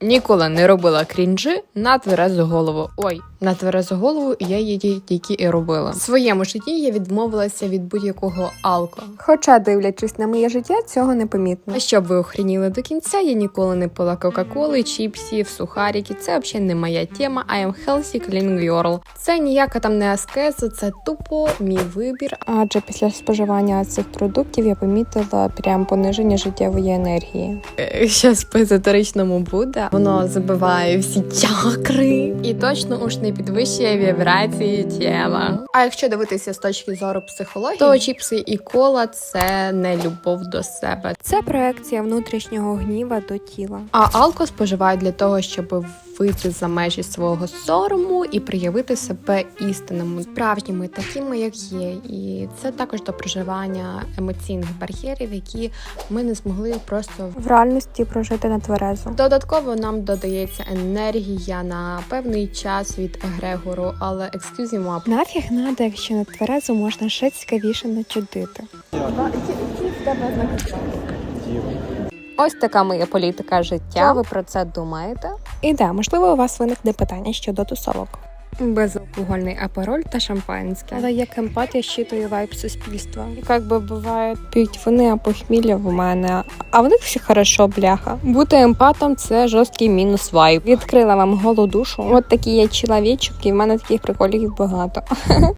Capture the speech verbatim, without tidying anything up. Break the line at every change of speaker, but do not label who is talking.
Ніколи не робила крінжі на тверезу голову. Ой, на тверезу голову я її тільки і робила. В своєму житті я відмовилася від будь-якого алко.
Хоча, дивлячись на моє життя, цього не помітно.
А щоб ви охреніли до кінця, я ніколи не пила кока-коли, чіпсів, сухарики. Це взагалі не моя тема. I am healthy clean girl. Це ніяка там не аскеза, це тупо мій вибір.
Адже після споживання цих продуктів я помітила прям пониження життєвої енергії.
Щас по езотеричному буде. Воно забиває всі чакри і точно уж не підвищує вібрації тіла. А якщо дивитися з точки зору психології, то чіпси і кола – це не любов до себе.
Це проекція внутрішнього гніва до тіла.
А алко споживають для того, щоб вийти за межі свого сорому і проявити себе істинними, справжніми, такими, як є. І це також до проживання емоційних бар'єрів, які ми не змогли просто
В реальності прожити на тверезо.
Додатково нам додається енергія на певний час від егрегору, але excuse me,
Нафіг надо, якщо на тверезо можна ще цікавіше начудити. Ось така моя політика життя. Що ви про це думаєте? І да, можливо, у вас виникне питання щодо тусовок.
безалкогольний апероль та шампанське.
Але як емпат я щитую вайб суспільства. І як би буває, п'ють вони, а похмілля в мене. А в них все хорошо, бляха. Бути емпатом – це жорсткий мінус вайб. Відкрила вам голу душу. От такий я чоловічок, і в мене таких приколів багато.